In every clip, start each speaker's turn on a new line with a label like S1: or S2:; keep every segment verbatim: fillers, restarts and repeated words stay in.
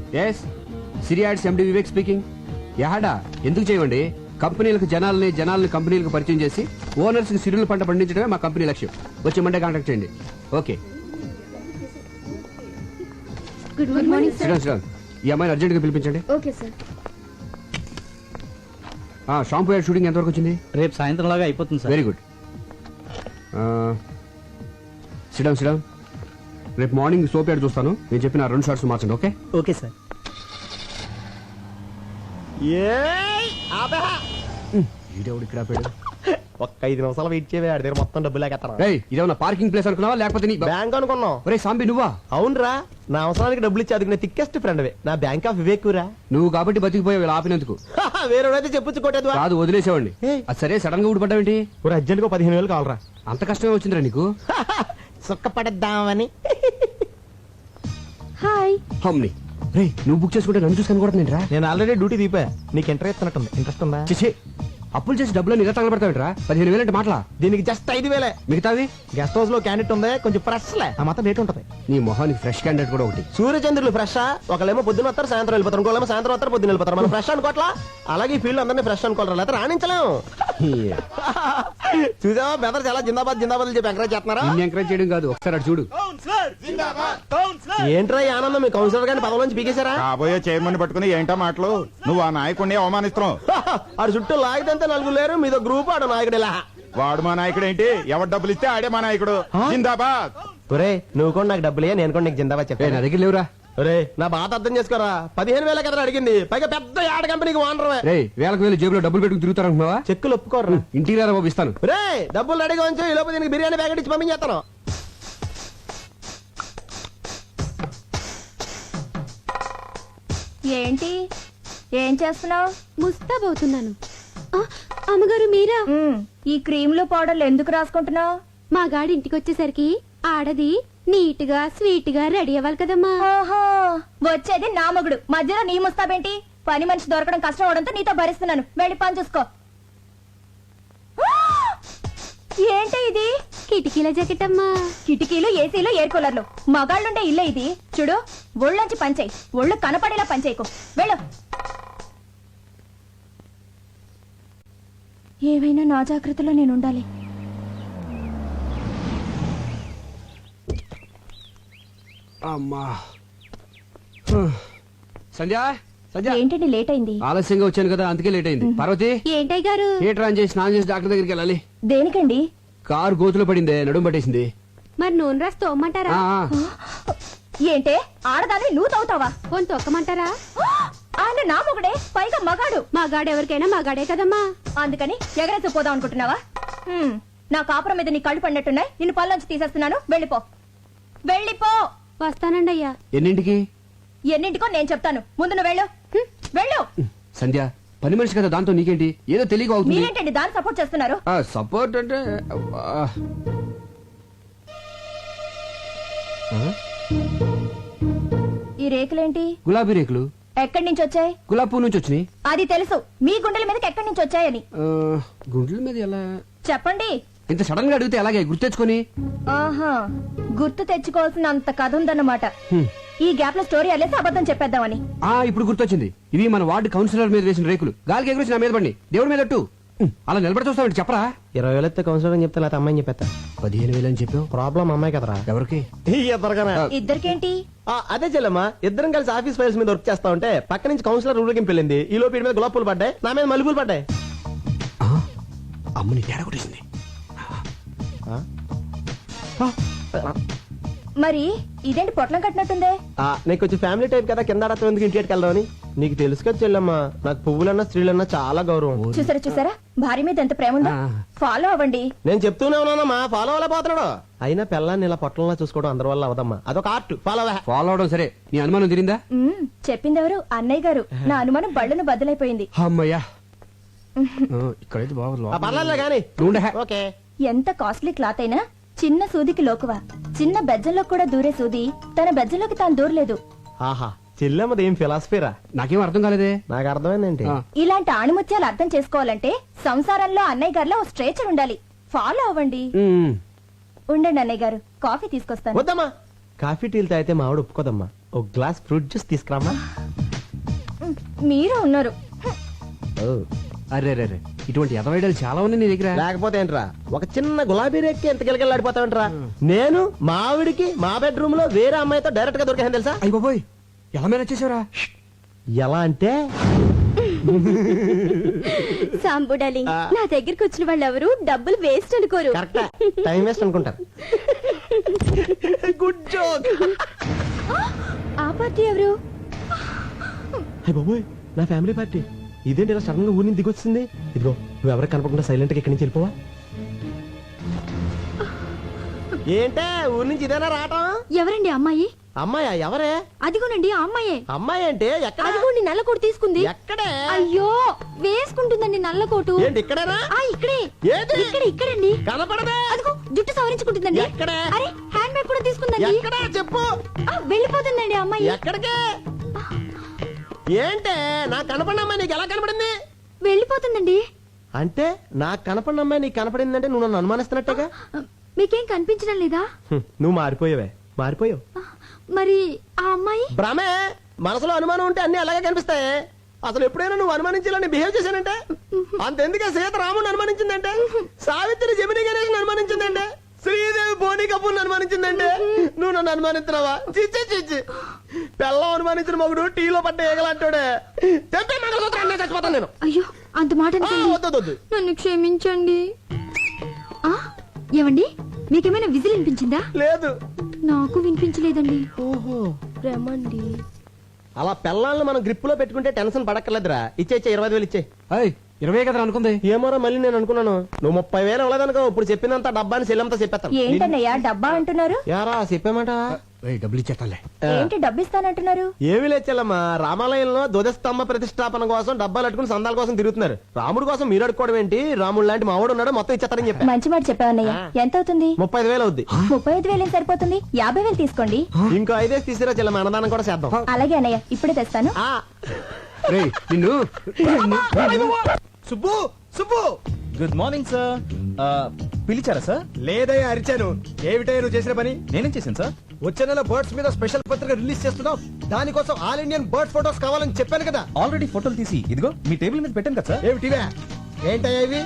S1: Yes సిరియాడ్స్ MD Vivek speaking. యాడా ఎందుకు చేయండి? కంపెనీలకు జనాలని జనాలని కంపెనీలకు పరిచయం చేసి ఓనర్స్ కి సిరుల పంట పండించడమే మా కంపెనీ లక్ష్యం. వచ్చి మండే కాంటాక్ట్ చేయండి. ఓకే.
S2: Good morning sir.
S1: Sriram Sriram ఈ అమ్మాయిని అర్జెంట్ గా పిలిపించండి.
S2: Okay sir.
S1: Shampoo ad shooting ఎంతవరకు వచ్చింది?
S3: రేపు సాయంత్రం లాగా అయిపోతుంది sir.
S1: Very good. Sriram Sriram రేపు మార్నింగ్ సోప్ యాడ్ చూస్తాను. నేను చెప్పిన రెండు షార్ట్స్ మార్చండి. Okay
S3: okay sir.
S1: ఈడెవడు ఇక్కడ ఆపాడు?
S4: ఒక్క ఐదు నిమిషాలు వెయిట్ చేయవే, ఆడి దగ్గర మొత్తం డబ్బులు లేకెత్తాను.
S1: రేయ్ ఇదేమన్నా పార్కింగ్ ప్లేస్ అనుకున్నావా లేకపోతే నీ
S4: బ్యాంక్ అనుకున్నావు?
S1: ఒరే సాంబి నువ్వా?
S4: అవునరా, నా అవసరానికి డబ్బులు ఇచ్చి అదుకునే థిక్కెస్ట్ ఫ్రెండ్ నా బ్యాంక్ ఆఫ్ వివేక్ రా.
S1: నువ్వు కాబట్టి బతికిపోయావు ఇలా ఆపినందుకు.
S4: వేరేవాడైతే చెప్పొచ్చు కొట్టేది
S1: కాదు వదిలేసేవాడిని.
S4: ఏయ్.
S1: అది సరే సడన్ గా ఊడిపడ్డావేంటి?
S4: ఒక అర్జెంట్ గా పదిహేను వేలు కావాలరా.
S1: అంత కష్టమే వచ్చిందిరా నీకు?
S4: సుక్క పడేద్దామని.
S2: హాయ్.
S1: హమ్ని రే నువ్వు బుక్ చేసుకుంటే నన్ను చూసుకొని కూడా నేను రా.
S4: నేను ఆల్రెడీ డ్యూటీ దీపా. నీకు ఇంటర్ ఇస్తున్నట్టుంది. ఇంట్రెస్ట్ ఉందా?
S1: చేసి అప్పులు చేసి డబ్బులు నిజ తగలబెడతావేంట్రా? పదిహేను వేలు అంటే మాటలా?
S4: దీనికి జస్ట్ ఐదు వేలే.
S1: మిగతావి
S4: గెస్ట్ హౌస్ లో క్యాండిడేట్ ఉంది, కొంచెం ఫ్రెష్ లే, ఆ మాత్రం రేట్ ఉంటది.
S1: నీ మొహానికి ఫ్రెష్ క్యాండిడేట్ కూడా ఒకటి.
S4: సూర్యచంద్రులు ఫ్రెష్. ఒకళ్ళేమో పొద్దున వస్తారు, సాయంత్రం వెళ్ళిపోతారు. ఇంకోళ్ళేమో సాయంత్రం వస్తారు, పొద్దున వెళ్ళిపోతారు. మనం ఫ్రెష్ అనుకోవట్లా? అలాగే ఈ ఫీల్డ్ అందరినీ ఫ్రెష్ అనుకోవాలి, లేకపోతే రాణించలేము. చూసావా బెదర్ చాలా జిందాబాద్ జిందాబాద్ చెప్పి ఎంకరేజ్ చేస్తున్నారా?
S1: నిన్ను ఎంకరేజ్ చేయడం కాదు, ఒకసారి అటు చూడు.
S4: ఏంట్రా ఈ ఆనందం? మీ కౌన్సిలర్ గారిని పదవి నుంచి పీకేశారా?
S5: కాబోయే చైర్మన్ పట్టుకుని ఏంటో మాటలు? నువ్వు ఆ నాయకుడిని అవమానిస్తున్నావు.
S4: ఆడు చుట్టూ లాగితే నలుగురు లేరు, మీదో గ్రూప్ ఆడు నాయకుడు. ఇలా
S5: వాడు మా నాయకుడు ఏంటి? ఎవరు డబ్బులు ఇస్తే ఆడే మా నాయకుడు. జిందాబాద్.
S4: ఒరే నువ్వు కూడా నాకు డబ్బులే, నేను కూడా నీకు జిందాబాద్
S1: ఏ,
S4: చెప్పాను.
S1: నా దగ్గర లేవురా.
S4: ఒరే నా బాధ అర్థం చేసుకోరా. పదిహేను వేల కదా అడిగింది, పైగా పెద్ద యాడ్ కంపెనీకి ఓనర్.
S1: రే వేలకు వేలు జేబులో డబ్బులు పెట్టుకుని తిరుగుతారనుకున్నావా?
S4: చెక్కులు ఒప్పుకోర్రా.
S1: ఇంటికి రారా బాబు, ఇస్తాను.
S4: రే డబ్బులు రెడీగా ఉంచు, ఈ లోపు దీనికి బిర్యానీ ప్యాకెట్ ఇచ్చి పంపించేస్తాను.
S2: ఏంటి ఏం చేస్తున్నావు?
S6: ముస్తాబవుతున్నాను. అమ్మగారు మీరా?
S2: ఈ క్రీములు పౌడర్లు ఎందుకు రాసుకుంటున్నావు?
S6: మా గాడి ఇంటికి వచ్చేసరికి ఆడది నీట్ గా స్వీట్ గా రెడీ అవ్వాలి కదమ్మా.
S2: ఓహో, వచ్చేది నా మగుడు, మధ్యలో నీ ముస్తాబేంటి? పని మనిషి దొరకడం కష్టం అవడంతో నీతో భరిస్తున్నాను. వెళ్ళి పని చూసుకో. ఏంటి ఇది?
S6: కిటికీల జాకెట్ అమ్మా.
S2: కిటికీలు, ఏసీలు, ఎయిర్ కూలర్లు, మగాళ్ళుండే ఇల్లే ఇది. చూడు, ఒళ్ళొంచి పంచేయి, ఒళ్ళు కనపడేలా పంచేయకు. వెళ్ళు. ఏవైనా నా జాగ్రత్తలో నేను ఉండాలి.
S1: అమ్మా సంధ్య సంధ్య
S2: ఏంటండి లేట్ అయింది?
S1: ఆలస్యంగా వచ్చాను కదా అందుకే లేట్ అయింది. పార్వతి
S6: ఏంటయ్య గారు?
S1: థియేటర్ ఆన్ చేసి స్నానం చేసి డాక్టర్ దగ్గరికి వెళ్ళాలి.
S2: దేనికండి?
S1: కారు గోతులో పడిందే, నడుము పట్టేసింది.
S6: మరి నూనె రాసి తోమ్మంటారా?
S1: ఆ, ఆ.
S2: ఏంటే ఆడదాన్ని నువ్వు తవ్వుతావా?
S6: పోని తొక్కమంటారా?
S2: ఆయన నా మొగుడే, పైగా మగాడు.
S6: మా గాడు ఎవరికైనా మా గాడే కదమ్మా.
S2: అందుకని ఎగరేసి పోదాం అనుకుంటున్నావా? హ్మ్, నా కాపురం మీద నీ కళ్ళు పడినట్టున్నాయి. నిన్ను పళ్ళొంచి తీసేస్తున్నాను. వెళ్ళిపో, వెళ్ళిపో.
S6: వస్తానండి అయ్యా.
S1: ఎన్నింటికి?
S2: ఎన్నింటికో నేను చెప్తాను, ముందు నువ్వు వెళ్ళు. హ్మ్, వెళ్ళు.
S1: సంధ్య పని మనిషి కదా, దాంతో నీకేంటి? ఏదో తెలియక అవుతుంది.
S2: మీరేంటండి దాన్ని సపోర్ట్ చేస్తున్నారు?
S1: సపోర్ట్ అంటే అబ్బా. ఆ?
S2: ఈ రేకులేంటి?
S1: గులాబీ రేకులు.
S2: ఎక్కడి నుంచి వచ్చాయి?
S1: గులాబీ పువ్వు నుంచి వచ్చినాయి.
S2: అది తెలుసు, మీ గుండెల మీదకి ఎక్కడి నుంచి వచ్చాయని
S1: ఆ, గుండెల మీద ఎలా?
S2: చెప్పండి.
S1: ఇంత సడన్ గా అడిగితే ఎలాగే గుర్తెచ్చుకొని?
S2: ఆహా, గుర్తు తెచ్చుకోవాల్సిన అంత కథ ఉందన్నమాట.
S1: హ్మ్.
S2: ఈ గ్యాప్ లో స్టోరీ అల్లేసి అబద్ధం చెప్పేద్దామని.
S1: ఆ ఇప్పుడు గుర్తొచ్చింది. ఇవి మన వార్డు కౌన్సిలర్ మీద వేసిన రేకులు. గాలికి ఎగురొచ్చి నా మీద పడి దేవుడి మీద అట్టు. హ్మ్. అలా నిలబడి చూస్తామంటే చెప్పరా?
S4: ఇరవై వేలు ఎత్తే కౌన్సిలర్ అని చెప్తే లేకపోతే అమ్మాయిని చెప్పేస్తా.
S1: పదిహేను వేలు అని చెప్పావు.
S4: ప్రాబ్లం అమ్మాయి కదరా.
S1: ఎవరికి?
S4: ఇద్దరుగానే.
S2: ఇద్దరికేంటి?
S4: ఆ, అదే చెల్లమ్మా, ఇద్దరం కలిసి ఆఫీస్ ఫైల్స్ మీద వర్క్ చేస్తా ఉంటే పక్క నుంచి కౌన్సిలర్ ఊరికి వెళ్ళింది. ఈ లోపు వీడి మీద గులాబ్ పూలు పడ్డాయి, నా మీద మల్లెపూలు పడ్డాయి.
S1: ఆ, అమ్మని తేడా కొట్టేసింది.
S2: మరి ఇదేంటి పొట్లం కట్టినట్టుందే?
S4: ఆ, నీకు కొంచెం ఫ్యామిలీ టైప్ కదా, కింద ఆడతాం ఎందుకు ఇంటికి వెళ్దామని. నీకు తెలుసు కదా చెల్లమ్మా, నాకు పువ్వులన్నా స్త్రీలన్నా చాలా గౌరవం.
S2: చూసారా చూసారా, భార్య మీద ఎంత ప్రేమ ఉందో.
S1: ఆ.
S2: ఫాలో అవ్వండి.
S4: నేను చెప్తూనే ఉన్నానమ్మా, ఫాలో అవ్వలే పోతున్నాడు. అయినా పిల్లాన్ని ఇలా పొట్టంలా చూసుకోవడం అందరి వల్ల అవదమ్మా, అదొక ఆర్ట్. ఫాలో అవ్వ.
S1: ఫాలో అవడం సరే, నీ అనుమానం తిరిందా?
S2: మ్మ్, చెప్పిందెవరు? అన్నయ్య గారు. నా అనుమానం బళ్ళను బద్దలైపోయింది.
S1: అమ్మయ్యా, ఆ, ఇక్కడైతే బాగుంది.
S4: ఆ, పర్లేదులే గాని.
S1: నువ్వు ఉండే.
S4: ఓకే.
S2: ఎంత కాస్ట్లీ క్లాత్ అయినా చిన్న సూదికి లోకువా. చిన్న బెజ్జంలో కూడా దూరే సూది తన బెజ్జంలోకి తాను దూరలేదు.
S4: ఆహా, చెల్లెమ్మది ఏం ఫిలాసఫీరా?
S1: నాకేం అర్థం కాలేదే.
S4: నాకు అర్థమైందేంటి?
S1: ఆ.
S2: ఇలాంటి ఆణిముత్యాలు అర్థం చేసుకోవాలంటే సంసారంలో అన్నయ్య గారిలో ఓ స్ట్రేచర్ ఉండాలి. ఫాలో అవ్వండి.
S1: ఉమ్.
S2: ఉండండి అన్నయ్య గారు, కాఫీ తీసుకొస్తాను.
S4: వద్దమ్మా, కాఫీ టీలు తాగితే మా ఆవిడ ఒప్పుకోదమ్మా. ఒక గ్లాస్ ఫ్రూట్ జ్యూస్ తీసుకురామా.
S2: మీరే ఉన్నారు.
S1: అరే రే రే ఇటువంటి ఎదవైడలు చాలా ఉన్నాయి నీ దగ్గర.
S4: లేకపోతే ఏంట్రా ఒక చిన్న గులాబీ రేక్కి ఎంత గిలగిలాడిపోతావంట్రా. నేను మా ఆవిడికి మా బెడ్రూమ్ లో వేరే అమ్మాయితో డైరెక్ట్ గా దొరికాను తెలుసా.
S1: అయ్య బాబోయ్ ఎలా మేనేజ్ చేసావురా?
S4: ఎలా అంటే
S6: సాంబు డార్లింగ్, నా దగ్గరికి వచ్చిన వాళ్ళు ఎవరు డబ్బులు వేస్ట్ అనుకోరు.
S4: కరెక్ట్ టైం వేస్ట్ అనుకుంటారు. Good joke.
S6: ఆ పార్టీ ఎవరు?
S4: అయ్య బాబోయ్ నా ఫ్యామిలీ పార్టీ. ఇదేంటి ఇలా సడన్ గా ఊరి నుంచి దిగొచ్చింది. ఇదిగో నువ్వు ఎవరికి కనపడకుండా సైలెంట్ గా ఇక్కడి నుంచి వెళ్ళిపోవా. ఏంటే ఊరి నుంచి ఇదేనా రావటం?
S6: ఎవరండి అమ్మాయి?
S4: అమ్మాయా? ఎవరే?
S6: అదిగోనండి ఆ అమ్మాయే.
S4: అమ్మాయి అంటే ఎక్కడ?
S6: అదిగోండి నల్ల కోటు తీసుకుంది.
S4: ఎక్కడే?
S6: అయ్యో వేసుకుంటుందండి నల్ల కోటు.
S4: ఏంటి ఇక్కడేనా?
S6: ఆ ఇక్కడే.
S4: ఏది?
S6: ఇక్కడ ఇక్కడండి.
S4: కనపడదే.
S6: అదిగో జుట్టు సవరించుకుంటుందండి.
S4: ఎక్కడే?
S6: అరే హ్యాండ్ బ్యాగ్ కూడా తీసుకుందండి.
S4: ఎక్కడా చెప్పు.
S6: ఆ, వెళ్ళిపోతుందండి ఆ అమ్మాయి.
S4: ఎక్కడికే? ఏంటే నాకు కనపడిన అమ్మాయి నీకు ఎలా కనపడింది?
S6: వెళ్ళిపోతుందండి.
S4: అంటే నాకు కనపడిన అమ్మాయి నీకు కనపడిందంటే నువ్వు నన్ను అనుమానిస్తున్నట్టుగా.
S6: మీకేం కనిపించడం లేదా?
S4: హ్మ్, నువ్వు మారిపోయావే మారిపోయావు.
S6: మరి ఆ అమ్మాయి?
S4: భ్రమే. మనసులో అనుమానం ఉంటే అన్ని అలాగే కనిపిస్తాయి. అసలు ఎప్పుడైనా నువ్వు అనుమానించాలని బిహేవ్ చేశానంటే అంతెందుకే సీత రాముని అనుమానించిందంటే, సావిత్రి జమిని గణేష్ అనుమానించిందంటే, శ్రీదేవి బోని కపూర్ అనుమానించిందంటే నువ్వు నన్ను అనుమానిస్తున్నావా? చిచ్చి చిచ్చి పెళ్ళం అనుమానించిన మగుడు టీలో పడ్డ ఏగలంటాడే. తెప్పే మంగళసూత్రం చచ్చిపోతాను నేను.
S6: అయ్యో అంత మాట
S4: ఆ,
S6: అనకండి.
S4: వద్దు వద్దు.
S6: నన్ను క్షమించండి. ఆ ఏమండి మీకేమైనా విజిల్ వినిపించిందా?
S4: లేదు.
S6: నాకు వినిపించలేదండి.
S4: ఓహో
S6: రమండి.
S4: అలా పెళ్ళాలను మనం గ్రిప్ లో పెట్టుకుంటే టెన్షన్ పడక్కర్లేదురా. ఇచ్చే ఇచ్చే ఇరవై ఐదు వేలు ఇచ్చే.
S1: అయ్ ఇరవై కదా అనుకుంది.
S4: ఏమోరా మళ్ళీ నేను అనుకున్నాను నువ్వు ముప్పై వేలు అవ్వలేదనుకో. ఇప్పుడు చెప్పినంత డబ్బాని సెల్లంతా చెప్పేస్తాను.
S2: ఏంటన్నయ్యా డబ్బా అంటున్నారు?
S4: యారా చెప్పామాట.
S1: ఏయ్, డబ్బులు ఇచ్చేస్తాలే.
S2: ఏంటి డబ్బు ఇస్తానంటున్నారు?
S4: ఏమి లేచెల్లమ్మా, రామాలయంలో ధ్వజస్తంభ ప్రతిష్టాపన కోసం డబ్బాలు అట్టుకుని సందాల కోసం తిరుగుతున్నారు. రాముడు కోసం మీరు అడుకోవడం ఏంటి? రాముడు లాంటి మావాడు ఉన్నాడు, మొత్తం ఇచ్చేస్తారని చెప్పా.
S2: మంచి మాట చెప్పావన్నయ్య. ఎంత అవుతుంది?
S4: ముప్పై ఐదు వేలు అవుద్ది.
S2: ముప్పై ఐదు వేలు ఏం సరిపోతుంది? యాభై వేలు తీసుకోండి.
S4: ఇంకో ఐదేసి తీసిరా చెల్లమ్మ, అన్నదానం కూడా చేద్దాం.
S2: అలాగే అన్నయ్య ఇప్పుడే తెస్తాను.
S4: ఆ,
S1: రేయ్ నిన్ను
S3: Subbu Subbu
S5: good morning sir. పిలిచారా సార్?
S3: లేదయ్యా అరిచాను. ఏమిటయ్యా నువ్వు చేసిన పని?
S5: నేనేం చేశాను సార్?
S3: వచ్చే నెల బర్డ్స్ మీద స్పెషల్ పత్రిక రిలీజ్ చేస్తున్నావు. దానికోసం ఆల్ ఇండియన్ బర్డ్ ఫోటోస్ కావాలని చెప్పాను కదా.
S5: ఆల్రెడీ ఫోటోలు తీసి ఇదిగో మీ టేబుల్ మీద పెట్టాను కదా సార్.
S3: ఏమిటివే? ఏంటయ్యా ఇవి?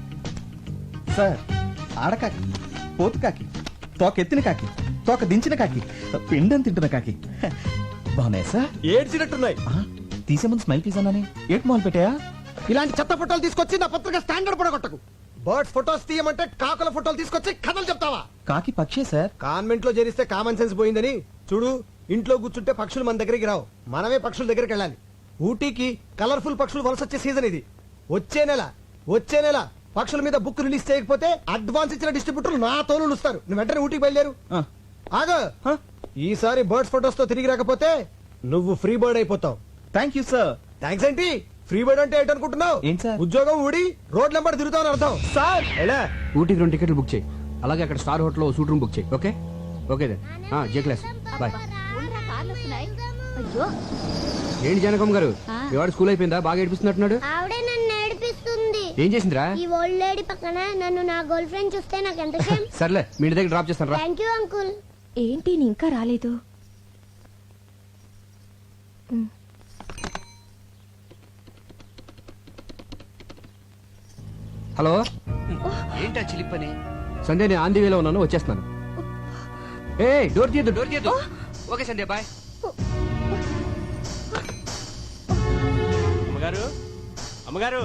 S5: సార్ ఆడకాకి, పోతు కాకి, తోక ఎత్తిన కాకి, తోక దించిన కాకి, పిండం తింటున్న కాకి బాగున్నాయి సార్.
S3: ఏడ్చినట్టున్నాయి.
S5: ఆ, తీసే ముందు స్మైల్ ప్లీజ్ అన్నానే. ఏట్ మాల్ పెట్టాయా?
S3: ఇలాంటి చెత్త ఫోటోలు తీసుకొచ్చి నా పత్రిక స్టాండర్డ్ పడగొట్టకు. బర్డ్స్ ఫోటోస్ తీయమంటే కాకుల ఫోటోలు తీసుకొచ్చి కథలు చెప్తావా?
S5: కాకి పక్షే సార్.
S3: కాన్వెంట్ లో చేరిస్తే కామన్ సెన్స్ పోయిందని చూడు. ఇంట్లో కూర్చుంటే పక్షులు మన దగ్గరికి రావు, మనమే పక్షుల దగ్గరికి వెళ్ళాలి. ఊటీకి కలర్ఫుల్ పక్షులు వలస వచ్చే సీజన్ ఇది. వచ్చే నెల వచ్చే నెల పక్షుల మీద బుక్ రిలీజ్ చేయకపోతే అడ్వాన్స్ ఇచ్చిన డిస్ట్రిబ్యూటర్లు నా తోలు ఇస్తారు. నువ్వు వెంటనే ఊటీకి బయలుదేరు.
S5: ఆ,
S3: ఆగ ఈసారి బర్డ్స్ ఫోటోస్ తో తిరిగి రాకపోతే నువ్వు ఫ్రీ బర్డ్ అయిపోతావు.
S5: Thank you sir.
S3: థ్యాంక్స్ ఏంటి? ఫ్రీ బర్డ్ అంటే ఏంటనుకుంటున్నావు?
S5: ఏంటి సార్?
S3: ఉద్యోగం ఊడి రోడ్ నెంబర్ తిరుగుతావు అని అర్థం.
S5: సార్
S3: ఎలా?
S1: ఊటీకి రెండు టికెట్లు బుక్ చేయి. అలాగే అక్కడ star hotel suite room book చేయి. ఓకే ఓకే దెన్ జే క్లాస్ బాయ్.
S6: అయ్యో
S1: ఏంటి జానకమ్మ గారు, మీ వాడు స్కూల్ అయిపోయిందా? బాగా ఏడిపిస్తున్నట్టున్నాడు.
S7: ఆవిడే నన్ను ఏడిపిస్తుంది.
S1: ఏం చేసిందిరా?
S7: ఈ ఓల్డ్ లేడీ పక్కన నన్ను నా గర్ల్ ఫ్రెండ్ చూస్తే నాకు ఎంత షేమ్.
S1: సర్లే మీ ఇంటి దగ్గర డ్రాప్ చేస్తాను రా.
S7: Thank you uncle.
S2: ఏంటి నీ ఇంకా రాలేదు?
S1: హలో ఏంటా చిలిపని? సంధ్య నేను ఆంధీ వేలో ఉన్నాను, వచ్చేస్తున్నాను. ఏ డోర్ తీయద్దు డోర్ తీయద్దు. Okay Sandhya bye.
S8: అమ్మగారు అమ్మగారు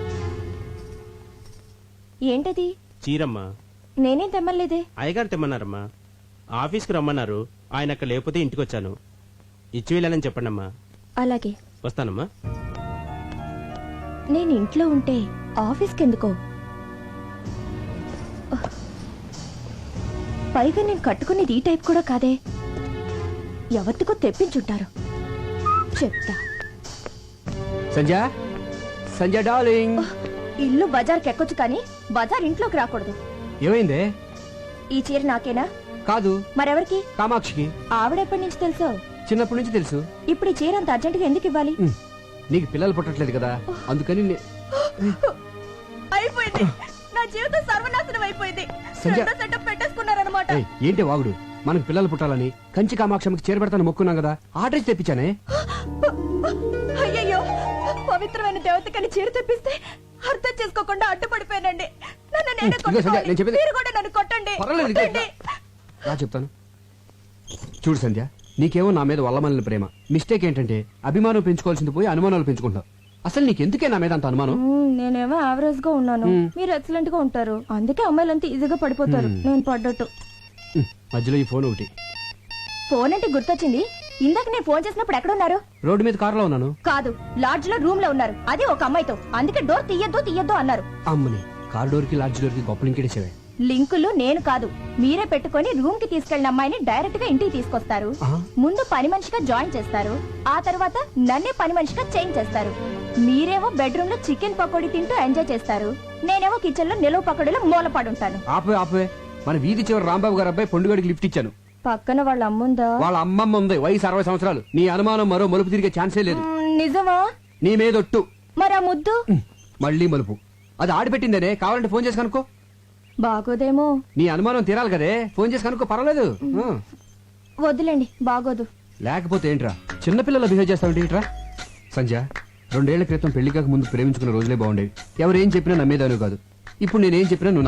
S2: ఏంటది?
S8: చీరమ్మ.
S2: నేనేం తెమ్మలేదే.
S8: అయ్యగారు తెమ్మన్నారమ్మా. ఆఫీస్కి రమ్మన్నారు, ఆయన అక్కడ లేకపోతే ఇంటికి వచ్చాను. ఇచ్చి వెళ్ళాలని చెప్పండి అమ్మా.
S2: అలాగే
S8: వస్తానమ్మా.
S2: నేను ఇంట్లో ఉంటే ఆఫీస్కి ఎందుకో? పైగా నేను కట్టుకునేది ఈ టైప్ కూడా కాదే. ఎవరికో తెప్పించుంటారు. చెప్తా.
S1: సంధ్య సంధ్య డార్లింగ్.
S2: ఇల్లు బజార్కి ఎక్కొచ్చు కానీ బజార్ ఇంట్లోకి రాకూడదు.
S1: ఏమైందే?
S2: ఈ చీర నాకేనా?
S1: కాదు
S2: మరెవరికి?
S1: కామాక్షికి.
S2: ఆవిడెప్పటి నుంచి తెలుసో?
S1: చిన్నప్పటి నుంచి తెలుసు.
S2: ఇప్పుడు ఈ చీర అంత అర్జెంటుగా ఎందుకు ఇవ్వాలి?
S1: ఉమ్, నీకు పిల్లలు పుట్టట్లేదు కదా అందుకని నే-
S2: అయిపోయింది. నా జీవితం సర్వనాశనం అయిపోయింది.
S1: సంధ్య.
S2: రెండో సెటప్ పెట్టేసుకున్నారనమాట.
S1: ఏయ్, ఏంటి వాగుడు? మనకు పిల్లలు పుట్టాలని కంచి కామాక్షమికి చేరబెడతాను మొక్కున్నాం కదా ఆర్డర్ ఇచ్చి తెప్పించానే.
S2: అయ్యయ్యో పవిత్రమైన దేవతకని చీర తెప్పిస్తే అర్థం చేసుకోకుండా అడ్డుపడిపోయానండి. నన్ను నేనే
S1: ఇదిగో సంధ్య,
S2: కొట్టుకోవాలి.
S1: నేను చెప్పేది-
S2: మీరు కూడా నన్ను కొట్టండి.
S1: పర్వాలేదు, ఇదిగో
S2: కొట్టండి.
S1: రా చెప్తాను. చూడు సంధ్య, నీకేమో నా మీద వల్లమల్లిన ప్రేమ. మిస్టేక్ ఏంటంటే అభిమానం పెంచుకోవాల్సింది పోయి అనుమానాలు పెంచుకుంటావు. అసలు నీకెందుకే నా మీద అంత అనుమానం?
S2: మ్మ్, నేనేమో యావరేజ్ గా ఉన్నాను, మీరు ఎక్సలెంట్ గా ఉంటారు. అందుకే అమ్మాయిలంతా ఈజీగా పడిపోతారు. నేను పడ్డట్టు.
S1: ఉమ్, మధ్యలో ఈ ఫోన్ ఒకటి.
S2: ఫోన్ అంటే గుర్తొచ్చింది. ఇందాక నేను ఫోన్ చేసినప్పుడు ఎక్కడ ఉన్నారు?
S1: రోడ్డు మీద కారులో ఉన్నాను.
S2: కాదు, లాడ్జ్ లో రూమ్ లో ఉన్నారు. అది ఒక అమ్మాయితో. అందుకే డోర్ తీయద్దు తీయద్దు అన్నారు.
S1: అమ్మని కార్ డోర్ కి లాడ్జ్ డోర్ కి గొప్ప లింకేసేవే.
S2: లింకులు నేను కాదు, మీరే పెట్టుకొని రూమ్ కి తీసుకెళ్లిన అమ్మాయిని డైరెక్ట్ గా ఇంటికి తీసుకొస్తారు.
S1: ఆ?
S2: ముందు పని మనిషిగా జాయిన్ చేస్తారు. ఆ తర్వాత నన్నే పని మనిషిగా చేంజ్ చేస్తారు. మీరేమో బెడ్రూమ్ లో చికెన్ పకోడీ తింటూ ఎంజాయ్ చేస్తారు. నేనేమో కిచెన్ లో నిలువ పకోడీలో మూలపడుంటాను.
S1: ఆపే ఆపే మన వీధి చివరి రాంబాబు గారు అబ్బాయి పొండుగడికి లిఫ్ట్ ఇచ్చాను.
S2: పక్కన వాళ్ళ అమ్ముందా?
S1: వాళ్ళ అమ్మమ్మ ఉంది, వయసు అరవై సంవత్సరాలు. నీ అనుమానం మరో మలుపు తిరిగే ఛాన్సే లేదు.
S2: మ్మ్, నిజమా?
S1: నీ మీదొట్టు.
S2: మరి ఆ ముద్దు
S1: ఉమ్, మళ్ళీ మలుపు. అది ఆడిపెట్టిందనే, కావాలంటే ఫోన్ చేసి కనుక్కో.
S2: బాగోదేమో.
S1: నీ అనుమానం తీరాలి కదే, ఫోన్ చేసి కనుక్కో, పర్వాలేదు. ఆ.
S2: వద్దులేండి, బాగోదు.
S1: లేకపోతే ఏంట్రా చిన్నపిల్లలు బిహేవ్ చేస్తావంటే ఏంట్రా? సంధ్య, రెండేళ్ల క్రితం పెళ్లి కాక ముందు ప్రేమించుకున్న రోజులే బాగుండేవి. ఎవరేం చెప్పినా నమ్మేదాను కాదు. ఇప్పుడు నేనేం చెప్పినా నువ్వు